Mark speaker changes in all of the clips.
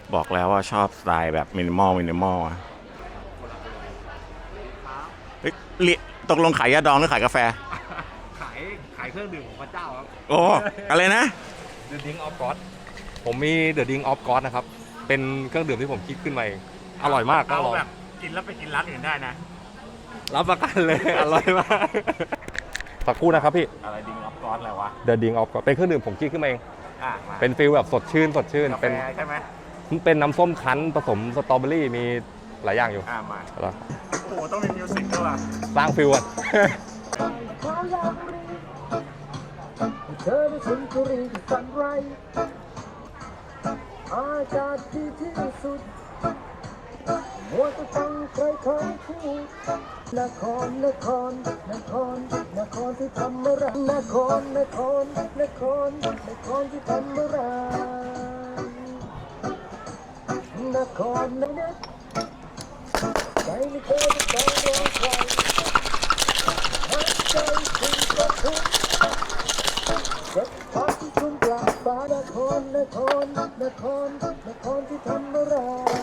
Speaker 1: บอกแล้วว่าชอบสไตล์แบบมินิมอลเฮ้ยตกลงขายยาดองหรือขายกาแฟ
Speaker 2: ขายเครื่องดื่มของพระเจ้าครับ
Speaker 1: โอ้อะไรนะ
Speaker 2: The Drink of God ผมมี The Drink of God นะครับ เป็นเครื่องดื่มที่ผมคิดขึ้นมาเองอร่อยมากก็ลอง
Speaker 1: แบบกินแล้วไปกินร้านอื่นได้นะ
Speaker 2: รับประกันเลย อร่อยมากสักครู่นะครับพี่
Speaker 1: อะไรดิงออฟกอสอะไรวะ
Speaker 2: The Drink of God เป็นเครื่องดื่มผมคิดขึ้นมาเอง
Speaker 1: มา
Speaker 2: เป็นฟีลแบบสดชื่น
Speaker 1: กาแฟ
Speaker 2: เป็น
Speaker 1: ใช่ไหม
Speaker 2: เป็นน้ำส้มคั้นผสมสตรอเบอรี่มีหลายอย่างอยู่
Speaker 1: มา
Speaker 2: แล้ว
Speaker 1: โอ้โหต้องมีมิวสิกด้วยว่ะ
Speaker 2: สร้างฟีลอ่ะ
Speaker 3: เธอได้สุนทรีที่ฝันไรอากาศดีที่สุดมัวจะฟังใครเขาพูดนครที่ทำอะไรนครที่ทำอะไรนครนะใจไม่เคยจะต้องรอใครหักใจคุณก็ทุกสักพักที่คุณกลับบ้านนครที่ทำอะไร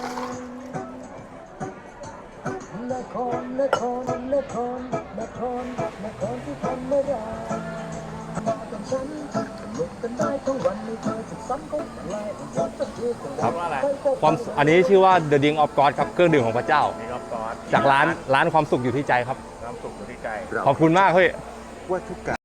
Speaker 3: นครที่ทำอะไรมากับฉันลุกกันได้ทั้งวันไม่เคยจะซ้ำก็อะไรจะเที่ยวกัน
Speaker 2: ครับ ความอันนี้ชื่อว่า The Drink of God ครับเครื่องดื่มของพระเจ้า
Speaker 1: ดิงออฟกอส
Speaker 2: จากร้านความสุขอยู่ที่ใจครับ
Speaker 1: น้ำสุกอยู่ที่ใจ
Speaker 2: ขอบคุณมากเฮ้ย
Speaker 4: ว่าทุกการ